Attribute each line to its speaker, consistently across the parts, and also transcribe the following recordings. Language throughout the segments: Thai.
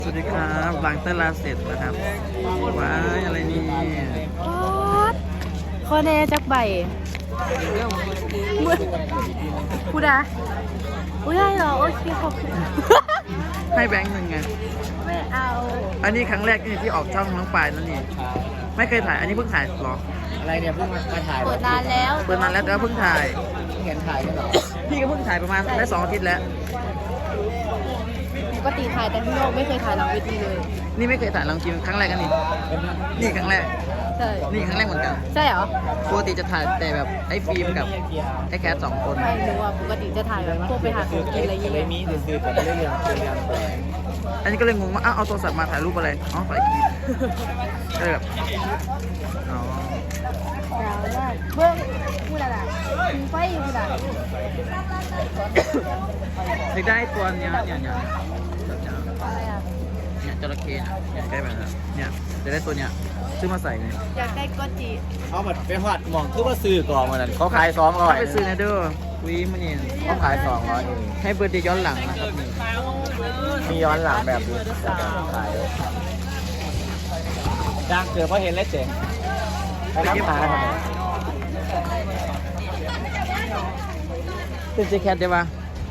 Speaker 1: สวัสดีครับหลังเต้นลาเสร็จนะครับว้ายอะไรนี่
Speaker 2: ข้อแน่จักใบพูดอะอุ้ยได้เหรอโอเคขอบคุณ
Speaker 1: ให้แบงค์หนึ่งไง
Speaker 2: ไม่เอา
Speaker 1: อันนี้ครั้งแรกนี่ที่ออกช่องน้องปายนั่นนี่ไม่เคยถ่ายอันนี้เพิ่งถ่ายหรอ
Speaker 3: อะไรเนี่ยเพิ่งมาถ่าย
Speaker 2: เปิดนานแล้ว
Speaker 1: เปิดนานแล้วแต่ว่าเพิ่งถ่าย
Speaker 3: เห็นถ่ายกันเหรอ
Speaker 1: พี่ก็เพิ่งถ่ายประมาณได้2 อาทิตย์แล้ว
Speaker 2: ปกติถ่ายแต่ที่โลกไม่เคยถ่ายหลังเวทีเลย
Speaker 1: นี่ไม่เคยถ่ายลองจริงครั้งแรกกันนี่นี่ครั้งแรก
Speaker 2: ใช่
Speaker 1: นี่ครั้งแรกเหมือนกัน
Speaker 2: ใช่เหรอ
Speaker 1: ปกติจะถ่ายแต่แบบไอ้ฟิล์มกับไอ้แคท2 คน
Speaker 2: ไม่รู้ว่าปกติจะถ่ายแบบพวกไปหาของกินอะไรอย่าง
Speaker 3: เล
Speaker 2: เงี้
Speaker 3: ย
Speaker 2: ย
Speaker 3: มีสื่อๆแต่ไม่ได้เรื่องเป็นเรื่องแปลก
Speaker 1: อันนี้ก็เลยงงว่าอ้าวเอาโทรศัพท์มาถ่ายรูปอะไรอ๋อถ่ายคลิปก็เลยแบบอ๋อ
Speaker 2: เบื้องพูดอะไรมีไฟอยู่พูดอะไร
Speaker 1: อยากได้ตัวเนี้ยเนี่ยแบบเนี้ย
Speaker 2: อะไรอ่ะ
Speaker 1: เนี่ยจระเข้เนี่ยใกล้แบบนั้นเนี่ยจะได้ตัวเนี้ยซื้อมาใส่เนี่ย
Speaker 2: อยากได้โกจิ
Speaker 3: เขาแบบไปหอดหมองคือว่าซื้อก่อนมานั่นเขาขาย200
Speaker 1: ถ้าไปซื้อในเด้อวีมันนี่
Speaker 3: เขาขาย200เอง
Speaker 1: ให้เบอร์เดย์ย้อนหลังนะครับนี่
Speaker 3: มีย้อนหลังแบบนี้ขายดังเกิดเพราะเห็นแล้วเจ๋งไปน้ำหาทำไม
Speaker 1: เป็นเจแคทได้ปะ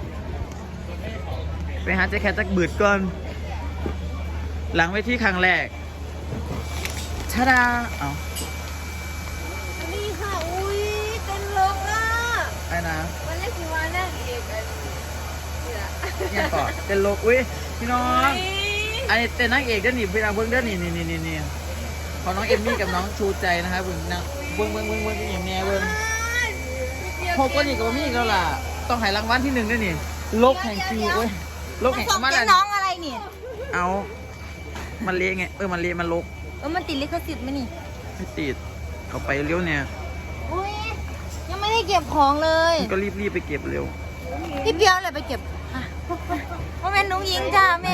Speaker 1: ไปหาเจแคทจักบืดก่อน หลังไว้ที่ครั้งแรกชาดาเอา
Speaker 2: นี่ค่ะอุ้ยเป็นลกอ่ะ
Speaker 1: ไอ้นะ
Speaker 2: วันแรกคือวันแรกเอกอันนี่แหละ
Speaker 1: เนี่ยก่อนเต้นโลกอุ้ยพี่น้องไอ้เต้นนางเอกเด้อนี่พี่นางเบิ้งเด้อนี่ของน้องเอมมี่กับน้องชูใจนะครับเบิ้งนางเบิ้งอย่างเนี้ยเบิ้งพบก็นี่กับมี่แล้วล่ะต้องให้รางวัลที่1ด้วยนี่โลกแห่งปีเว้ยโลกแห่ง
Speaker 2: ส่ง
Speaker 1: มา
Speaker 2: เป็
Speaker 1: แล้ว
Speaker 2: นน้องอะไรนี่
Speaker 1: เอามันเละไงมันเละมันลก
Speaker 2: มันติดลิขสิทธิ์ไหมนี่
Speaker 1: ไม่ติดเอาไปเร็วเนี่ย
Speaker 2: อุ้ยยังไม่ได้เก็บของเลย
Speaker 1: ก็รีบไปเก็บเร็ว
Speaker 2: พี่เปียวเลยไปเก็บว่าเป็นนุ้งยิงจ้าแม่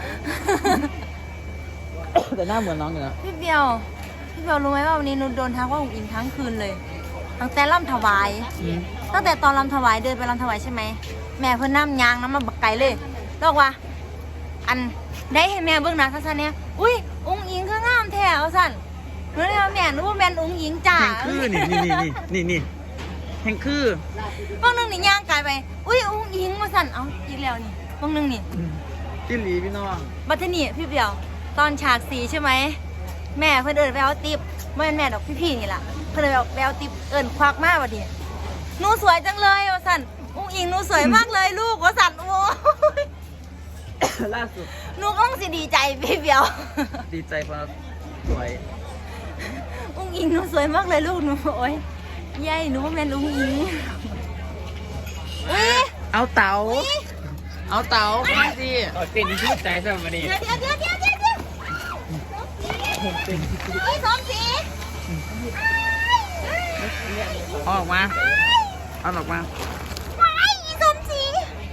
Speaker 1: แต่หน้าเหมือนน้องอยู่นะ
Speaker 2: พี่เปียวรู้ไหมว่าวันนี้นุชโดนทักว่าอุ๋งอิงทั้งคืนเลยตั้งแต่ล่ำถวาย ตั้งแต่ตอนลำถวายเดินไปลำถวายใช่ไหมแม่เพิ่นน้ำยางน้ำมาบักไก่เลยบอกว่า อันได้ให้แม่เบิ่งหนะสั้นๆเนี่ยอุ้ยอุ้งอิงคืองามแท้เอาสั่นหนูเลยว่าแม่นึกว่าแม่นอุ้งอิงจ้า
Speaker 1: แห่งคือนี่แห่งคือบ
Speaker 2: างนึงนี่ย่างกายไปอุ้ยอุ้งอิงมาสั่นเอาอีกแล้วนี่บางนึงนี่
Speaker 1: จิ้นหลีพี่น้อง
Speaker 2: บัดนี้พี่เปียวตอนฉากสีใช่ไหมแม่เพิ่นเอิ้นไปเอาติ๊บไม่เป็นแม่ดอกพี่ๆนี่ล่ะเพิ่นเลยไปเอาติ๊บเอิ้นควักมาบัดนี้หนูสวยจังเลยว่าสั่นอุ้งอิงหนูสวยมากเลยลูกว่าสั่นโอ้ย
Speaker 1: ล่าสุด
Speaker 2: หนูก็ต้องสิดีใจพี่เปียว
Speaker 1: ดีใจเพราะสวย
Speaker 2: อุ้งอิงหนูสวยมากเลยลูกหนูโอ้ยยายหนูว่าแม่นอุ้งอิงอุ้ย
Speaker 1: เอาเต๋ามาสิ
Speaker 3: เต้นชื่นใจสำหรับวันนี้
Speaker 2: เดี๋ยวอุ้ยสองสี
Speaker 1: เอาออกมา
Speaker 2: ว้ายอีสมศรี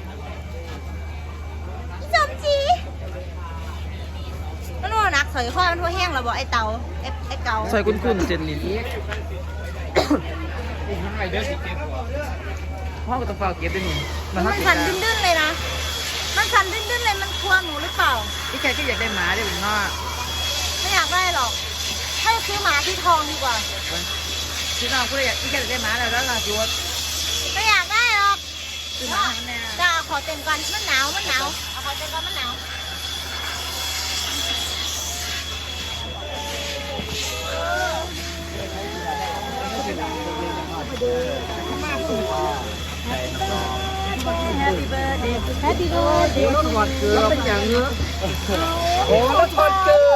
Speaker 2: มันว่านักสอยข้อมันทั่วแห้งแล้วบอกไอ้เตาไอ้เกา
Speaker 1: ซอยคุ้นๆเจนลินพ่อก็ต้องเฝ้าเก็บด้วยนี่
Speaker 2: มัน
Speaker 1: เท่า
Speaker 2: สั่นดื้นๆเลยนะมันสั่นดื้นๆเลยมันกลัวหนูหรือเปล่า
Speaker 1: พี่แกก็อยากได้หมาด้วยผมว่า
Speaker 2: ไม่อยากได้หรอกให้ซื้อหมาที่ทองดีกว่า
Speaker 1: พี่น้องก็เลยอยากพี่แกอยากได้หมาแล้วล่ะจูด
Speaker 2: ไม่อยากได้หรอก
Speaker 1: ซื้อหมาให้มันแน่
Speaker 2: จะเอาขอเต็มก่อนมันหนาวเอาขอเต็มก่อนมันหนาวHappy birthday Happy birthday
Speaker 1: รถหอดเกลือเป็นอย่างเนื้อโอ้รถหอดเกลือ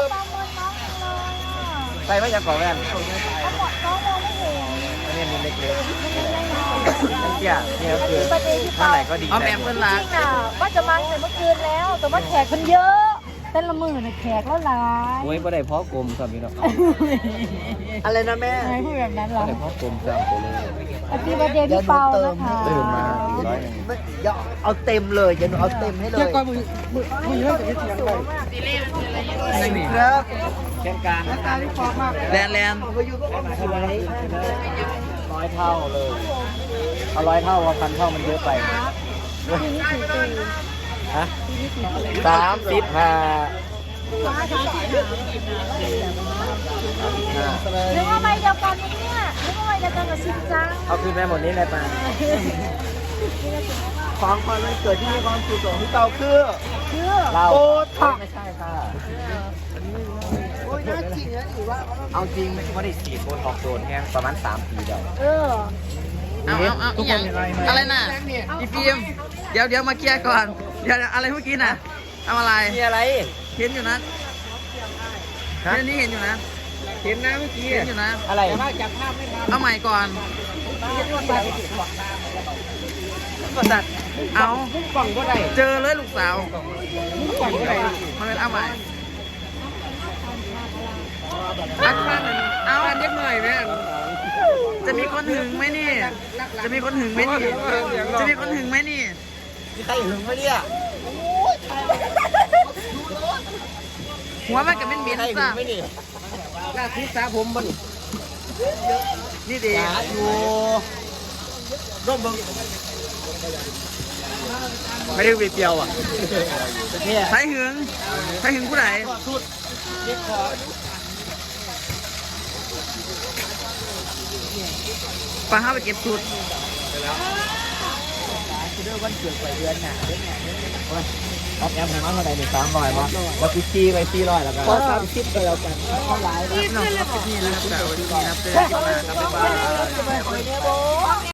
Speaker 3: ใส่ไม่จะก่อแว่น
Speaker 2: น้องมองไม่เห็น
Speaker 3: อันนี้มันเล็กๆเนี่ยก็คือเมื่อไหร่ก็ดี
Speaker 1: เอาแอมเปิ้ลรัก
Speaker 2: น่ะว่าจะมาแต่เมื่อคืนแล้ว แต่ว่าแขกคนเยอะเต้นละมือน่ะแขกแล้วหลาย
Speaker 3: โอ้ยบ่ได้เพาะกลมสามีเนาะ
Speaker 1: อะไรนะแม่
Speaker 2: ไม่พูดแบบนั้นหร
Speaker 3: บ่
Speaker 2: อ
Speaker 3: ได้เพาะกลมสามตัวเลย
Speaker 2: Happy birthday พี่เปานะคะ
Speaker 3: ตื่นมา100
Speaker 4: อย่าเอาเต็มเลยอย่าเอาเต็มให้เลย
Speaker 1: มึงเยอะกว่าที่เทียงไปนี่
Speaker 4: ครับ
Speaker 3: แค่กลางนะครับ
Speaker 1: แลน
Speaker 3: 100 เท่าเลยเอา100 เท่าว่า1,000 เท่ามันเยอะไปฮะ35
Speaker 2: นึกว่าใบเดียวกันเนี่ยนึกว่าใบเดียวกันกับชินจัง
Speaker 3: เอาคืนไปหมดนี้เลยป่ะ
Speaker 4: ของขวัญวันเกิดที่มีความสุขของพี่เตาคือ
Speaker 3: เรา
Speaker 4: โบท็อก
Speaker 3: ไม่ใช่ค่ะ
Speaker 4: โอ้ยน่าจริงนะถือว่า
Speaker 3: เอาจริงไม่ได้ฉีดโบท็อกซ์โดนแค่ประมาณ3 ปีเดียว
Speaker 1: เอาอีหยังอะไรน่ะอีฟิล์มเดี๋ยวมาเคลียร์ก่อนเดี๋ยวอะไรเมื่อกี้น่ะเอาอะไร
Speaker 3: มีอะไร
Speaker 1: เห็นอยู่นะเห็นนี่เห็นอยู่นะ
Speaker 3: เห็นนะเมื่อกี้
Speaker 1: เห็นอยู่นะ
Speaker 3: อะไร
Speaker 1: เอาใหม่ก่อน เอา
Speaker 3: กล่องก็ได้
Speaker 1: เจอเลยลูกสาว
Speaker 3: กล่องก็ได้
Speaker 1: มันเป็นเอาใหม่เอาเล็กหน่อยแม่จะมีคนหึงไหมนี่ จะมีคนหึงไหมนี่ จะมีคนหึงไหมนี่
Speaker 4: มีใครหึงไหมเนี่ย
Speaker 1: หัวมันกับเป็นบิน
Speaker 4: ใครหึ
Speaker 1: ซะ
Speaker 4: งไหมนี่
Speaker 3: ลาทิสาผมมัน
Speaker 1: นี่ดี
Speaker 4: อย่าอยู่ร่มเบิ้ง
Speaker 3: ไม่ได้วีเปียวอ่ะ
Speaker 1: ใครหึงใครหึงผู้ใด
Speaker 4: สุดเด็กขอ
Speaker 1: ปลาห้าไปเก็บสูตร
Speaker 4: วันเกิดไปเดือนหนาเดือนหนา
Speaker 3: ออฟแอมให้มาเท่าไหร่1 300มั้งแล้วกูชี้ไป400แล้วกัน
Speaker 4: ขอ30ไปแล้วกันเท่าไหร่
Speaker 1: น้องครับนี่นะครับแต่วันนี้นะครับเจอกันใหม่ครับบ๊ายบาย